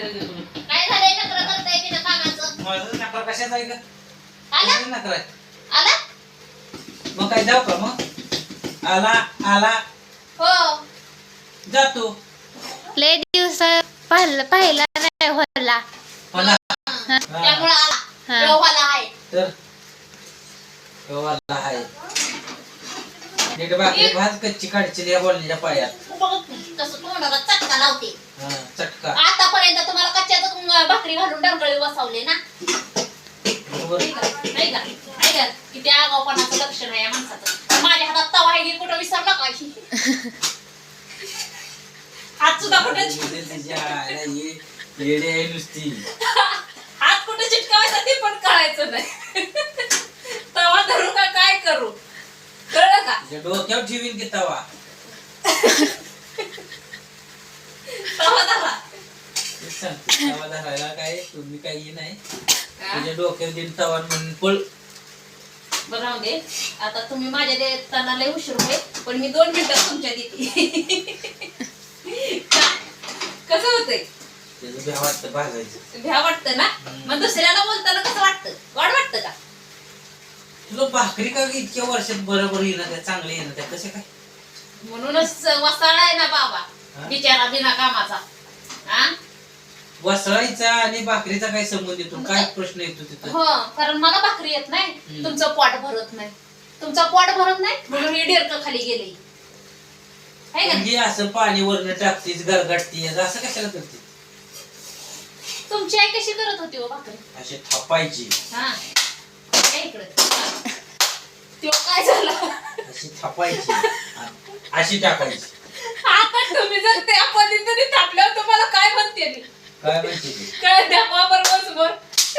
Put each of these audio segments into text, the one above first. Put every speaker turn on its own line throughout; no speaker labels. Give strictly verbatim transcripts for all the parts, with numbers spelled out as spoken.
काय झालंय नखरं करताय बिना कामाचं?
माझं नखरा कशाचा आहे का?
आला?
कशाचा नखरा आहे?
आला?
मग काय जाऊ का मग? आला आला
हो.
जातो.
लय दिवस पाहिलं पाहिला नाही होला.
मला
त्यामुळे आला.
हा.
रोहाला आहे.
तर केव्हा आहे नीट भाकरी भात कच्ची काढची या बोललेल्या पायात
बघ कसं तोंडाला चटका लावते.
हा चटका
आतापर्यंत तुम्हाला कच्च्याच भाकरी घालून डरगळी बसवले ना?
बरोबर.
नाही का? नाही का? नाही का? किती आगाऊपणाचं लक्षण आहे या माणसाचं. माझ्या हातात तवा आहे की कुठं विसरला काय? हात सुद्धा कुठे
तिच्या आईला ये येडे आहे नुसती.
हात कुठे चिटकावायचा ते पण कळायचं नाही. तवा धरू का काय करू कळलं का?
तिच्या डोक्यावर ठेवीन की तवा.
तवा धरा.
तेच सांगते, तवा धरायला काय तुम्ही काही नाही. तुझ्या डोक्यावर दिन तवा म्हणून पळ.
बरं राहू दे. आता तुम्ही माझ्या देताना लय उशीर होईल पण मी दोन मिनिटात तुमच्या देते. कसं होतंय?
त्याचं भ्या वाटतं भाजायचं.
भ्या वाटतं ना? मग दुसऱ्याला बोलताना कसं वाटतं? वाढ वाटतं का?
तुला भाकरी का इतक्या वर्षात बरोबर येणं त्या चांगले येणं त्या कसे काय?
म्हणूनच वसाळ आहे ना बाबा
हा?
बिचारा बिना कामाचा. हा?
वसळायचा आणि भाकरीचा काय संबंध येतो? काय प्रश्न येतो तिथं?
हो कारण मला भाकरी येत नाही.
हम्म.
तुमचं पोट भरत नाही. तुमचं पोट भरत नाही म्हणून ही डेरक खाली गेले. आहे का?
म्हणजे असं पाणी वरनं टाकतीस गरगाटतीस असं कशाला करते?
तुमची आई कशी करत होती हो भाकरी?
असे थापायची
हा या इकडं. त्यो काय झालं?
अशी थापायची आणि अशी टाकायची.
आता तुम्ही जर त्या पद्धतीने थापल्यावर तुम्हाला काय म्हणते मी?
काय माहिती ते?
काय द्या बाबर बसवर.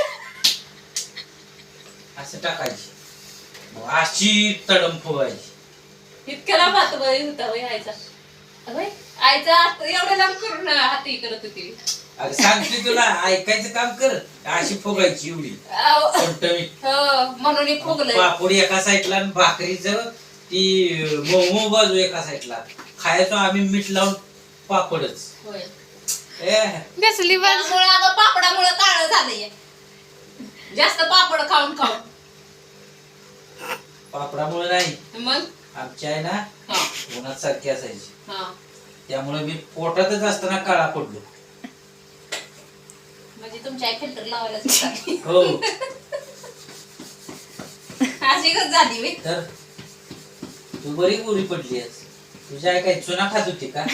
असं टाकायची मग अशी तडम फुगायची.
इतक्याला भात वय होता वय आईचा. होय आईचा हात एवढं लांब करून हाती करत होती.
अगं सांगते तुला ऐकायचं काम कर. अशी फुगायची एवढी
अहो,
टमटमीत.
हो म्हणून हे फुगलंय.
पापडी एका साईडला आणि भाकरीचं ती मोमो बाजू एका साईडला. खायचो आम्ही मीठ लावून पापडच.
होय
ए
कसली बाज
त्यामुळे अगं पापडामुळे काळं झालंय. जास्त पापड खाऊन खाऊन.
पापडामुळे नाही
मग
आमची आहे ना
हा
उन्हात सारखी असायची
हा
त्यामुळे मी पोटातच असताना काळा पडलो.
म्हणजे तुमची आई फिल्टर लावायला सुद्धा
हो
अशी कस झाली मी.
तर तू बरी गोरी पडली आहेस. तुझ्या आई काय चुना खात होती का?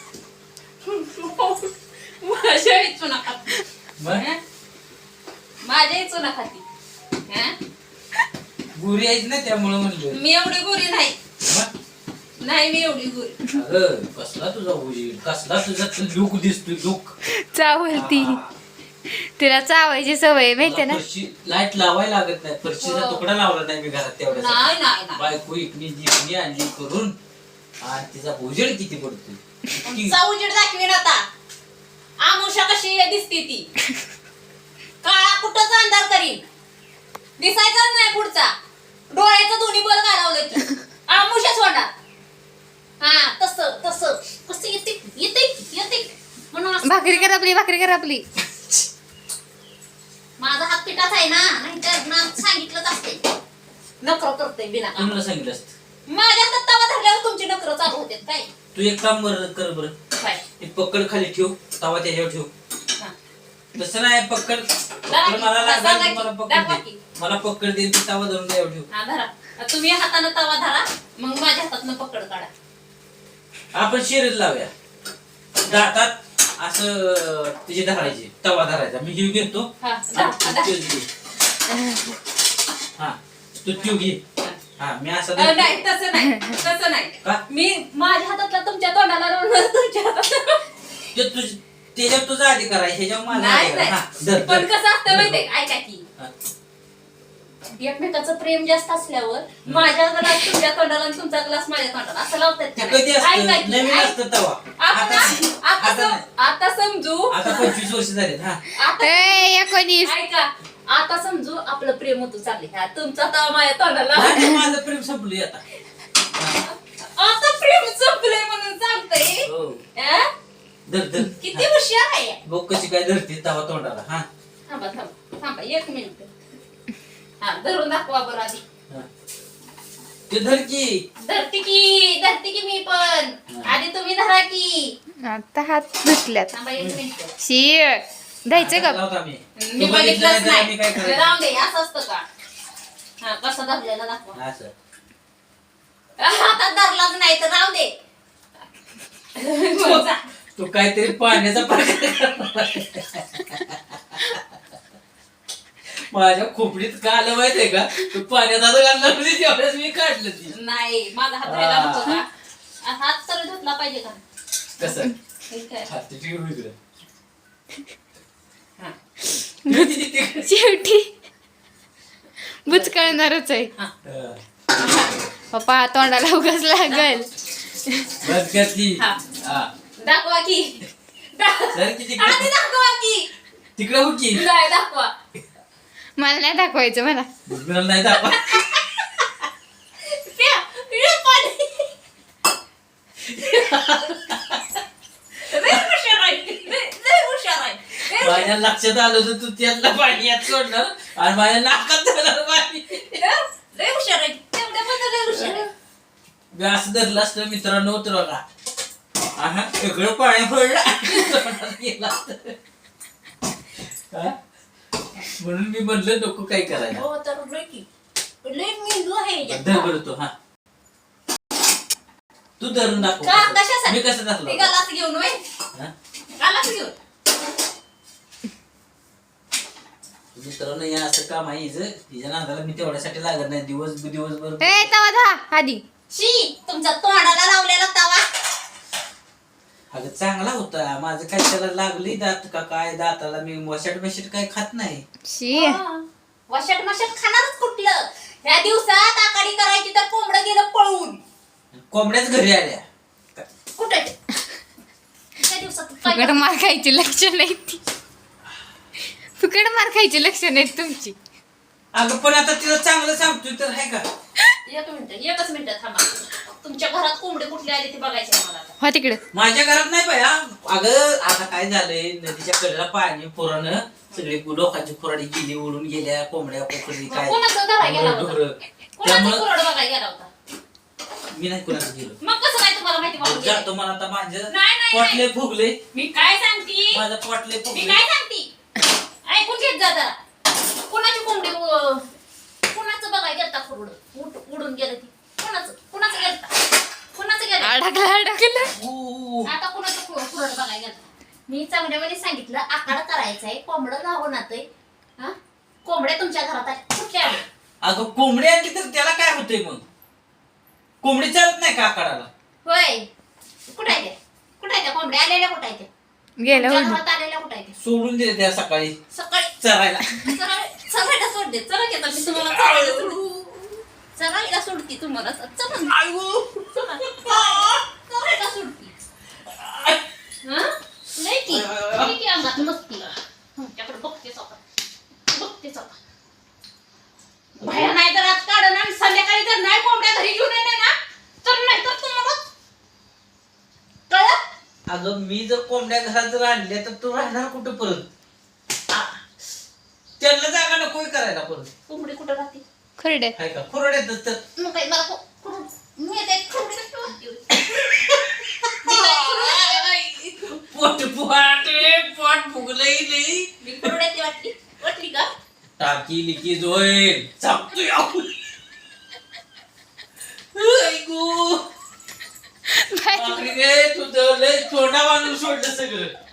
माझ्या आई चुना खाती.
मग
माझ्या आई चुना खाती. हा?
गोरी आहेस ना त्यामुळे म्हणलं.
मी एवढी गोरी नाही.
मग
नाही मी एवढी गोरी.
अगं कसला तुझा उजीड कसला तुझा लुक दिसतोय लुक.
चावलती तिला चावायची सवय माहितीये ना.
लाईट लावायला लागत नाही. फरशीचा
हो.
तुकडा लावला नाही मी घरात तेवढ्या.
नाही नाही नाही.
बायको इकनी जिकनी आणली करून आणि तिचा उजेड किती पडतोय.
आमचा उजेड दाखवीन आता. आमुषा कशी दिसती ती. काळा कुठंच अंधार करीन. दिसायचाच नाही पुढचा. डोळ्याचं दोन्ही बल घालवलं की आमुषाच होणार. हा तसं तसं कसं येते येते येते म्हणून असं.
भाकरी कर आपली भाकरी कर आपली.
माझा हात पिठाच आहे ना नाहीतर ना सांगितलंच असते. नखरं करते बिना काम.
कोणाला सांगितलं असतं?
माझ्या हातात तवा धरल्यावर तुमची नखरं चालू होते काय?
तू एक काम बरं कर बरं.
काय?
ते पकड खाली ठेव तवा त्याच्यावर ठेव.
हा.
तसं नाही पकड पकड मला लागेल मला पकड दे. मला पकड देईन ती तवा धरून त्यावर ठेव.
हा धरा. तुम्ही हातानं तवा धरा मग माझ्या हातातनं पकड काढा.
आपण शिरत लावूया. दातात असं तिची धरायची तवा धरायचा. मी जीव घेतो.
हा,
हा,
धरा,
तू
धरा.
तीव घे. हा तू तीव घे. हा मी असं
अ,
धरतो.
नाही तसं नाही तसं नाही.
का?
मी माझ्या हातातला तुमच्या तोंडाला लावून तुमच्या हातात.
ते तुझ त्याच्यावर तुझा अधिकार आहे ह्याच्यावर माझा
नाही
अधिकार आहे. हा, धर,
नाही. पण
धर.
कसं असतं माहितीये का? ऐका की
हा.
एकमेकाचं प्रेम जास्त असल्यावर माझ्या ग्लास तुमच्या तोंडाला आणि तुमचा ग्लास माझ्या तोंडाला असं लावतात
ते
का
कधी
नाही? ऐका
असतं
की,
नवीन
ऐक-
असतं तवा.
आपण
आता
आता
आता
सम-
नाही.
आता समजू
आता पंचवीस वर्ष झालेत. हा
आता
ए, एकोणीस
ऐका आता समजू आपलं प्रेम होतं चालले. हा तुमचा तवा माझ्या तोंडाला.
आता माझं प्रेम संपलंय आता.
आता प्रेम संपलंय म्हणून सांगतोय.
हो
हा?
धर धर
किती हुशार आहे
बघ कशी काय धरते तवा तोंडाला हा
थांबा थांबा थांबा एक मिनिट हा धरून दाखवा बरं आधी
हा. ते धर की
धरती की धरती की मी पण आधी तुम्ही धरा की
आता हात धुतल्यात
थांबा एक मिनिट
शी द्यायचं का
लावतो आम्ही.
मी
तू बघितलं
बघितलंच
तर आम्ही काय
नाही
करायचं?
राहून दे असं असतं का हा कसं धरलेलं दाखवा
असं
हातात धरलाच नाही तर राहू दे जा.
तू काहीतरी पाण्याचा प्रकार करणार. माझ्या खोपडीत का आलं माहितीये का तू पाण्यात आता घालणार म्हणजे तेवढ्याच मी काढलं ती
नाही माझा हात राहिला नको का आ, हात तर धुतला पाहिजे का
कसं
हे काय?
हात ठेव इकडं.
हा.
शेवटी बुचकळणारच आहे
हा.
हा.
पप्पा तोंडाला उगाच लागल
बस घातली
हा.
हा
दाखवा की
सर किती
आधी दाखवा की
तिकडे हो की
नाही दाखवा
मला नाही दाखवायचं मला
बुजबिराला नाही दाखवा
प्या, प्या पाणी. लय हुशार आहे, लय- लय हुशार आहे. लय हुशार.
माझ्या लक्षात आलं तर तू त्यातलं पाणी यात सोडणार आणि माझ्या नाकात जाणार पाणी
लय हुशार आहे तेवढ्यामध्ये लय हुशार आहे
मी असं धरलं असतं मित्रांनो तर बघा aha सगळं पाणी पडलं गेला हा? म्हणून मी म्हणलं नको काय करायला
हो तर लय की लय मेंदू आहे
धर बरं तो हा तू धरून दाखव
का कशासाठी
मी कसं धरलं
ते गालास घेऊन वय
हा?
गालास घेऊन
मित्रांनो या असं काम आहे हिचं तिच्या नादाला मी तेवढ्यासाठी लागत नाही दिवस दिवसभर
ए तवा धा आधी
शी तुमच्या तोंडाला लावलेला तवा
अगं चांगला होता माझं काय त्याला लागली दात का काय दाताला मी वशाट बिशाट काय खात नाही
शी
वशाट मशाट खाणारच कुठलं ह्या दिवसात आकाडी करायची तर कोंबडं गेलं पळून
कोंबड्याच घरी आल्या
कुठे त्या दिवसात काय
फुकट मार खायची लक्षण नाही ती फुकट मार खायची लक्षण आहेत तुमची
अगं पण आता तिला चांगलं सांगतोय तर आहे का
एक मिनिट एकच मिनिट थांबा तुमच्या घरात कोंबडे कुठले आले ते बघायचे आहे मला आता.
हो तिकडे
माझ्या घरात नाही बाया अगं आता काय झालंय नदीच्या कडेला पाणी पुरानं सगळी लोकांची खुराडी गेली उडून गेल्या कोंबड्या पोकळी काय
कोणाचं धरायला गेला होता?
ढोरं.
कोणाचा
त्यामुळं
कुरड बघायला गेला होता
मी नाही कुणाचं गेलो
मग कसं काय तुम्हाला माहिती पडून गेलं?
जातो मला आता माझं
नाही, नाही,
पोटले फुगले
मी काय सांगते
माझं पोटले
मी
फुगले
काय सांगते ऐकून घेत जा जरा कोणाची कोंबडी उ- कोणाचं बघायला गेलता कुरड उड- उडून गेलं ती कोणाचं कोणाचं गेलता कोणाचं गेलं
अडकला अडकला
ऊ.
आता कोणाचं कु- कुरड बघायला गेलता मी चांगल्यामध्ये सांगितलं आकाड करायचंय कोंबडं गावून आहे हा कोंबड्या तुमच्या घरात आहे कुठल्या आल्या?
अगं कोंबडी आणली तर त्याला काय होतंय मग कोंबडी चालत नाही का आकाराला
होय कुठं आहे त्या कुठं आहे त्या कोंबड्या आलेल्या कुठं आहे त्या
गेलं
तुमच्या
उडून
घरात आलेल्या कुठं आहे त्या
सोडून दिले त्या सकाळी
सकाळी
चरायला
चला- चलायला सोड दे चला घेता मी तुम्हाला चलायला सोडते चलायला सोडते तुम्हाला चला
आयु.
चला. चलायला सोडते हं? नाही की नाही की अंगात मस्ती तुमच्याकडे बघतेच आता बघतेच आता भया नाही तर आज काढून आणि संध्याकाळी जर नाही कोंबड्या घरी घेऊन येणे ना तर नाही तर तुम्हाला कळत
अगं मी जर कोंबड्या घरात जर आणल्या तर तू राहणार कुठं परत आ, त्यांना जागा नको करायला परत
कोंबडी कुठं राहते
खरडे
आहे का खुरड्यातच तर
मग काही मला को- कुठून- मी आता एक कोंबडी कशी वाटते? मी काय कुठून-
पोट पोट पोट फुगलंय लई
मी कुरड्याची वाटली वाटली का
टाकी लिकी जोईल चापतोय आपण ऐकू बापरे रे, तुझं लय छोटा माणूस सोडलं सगळं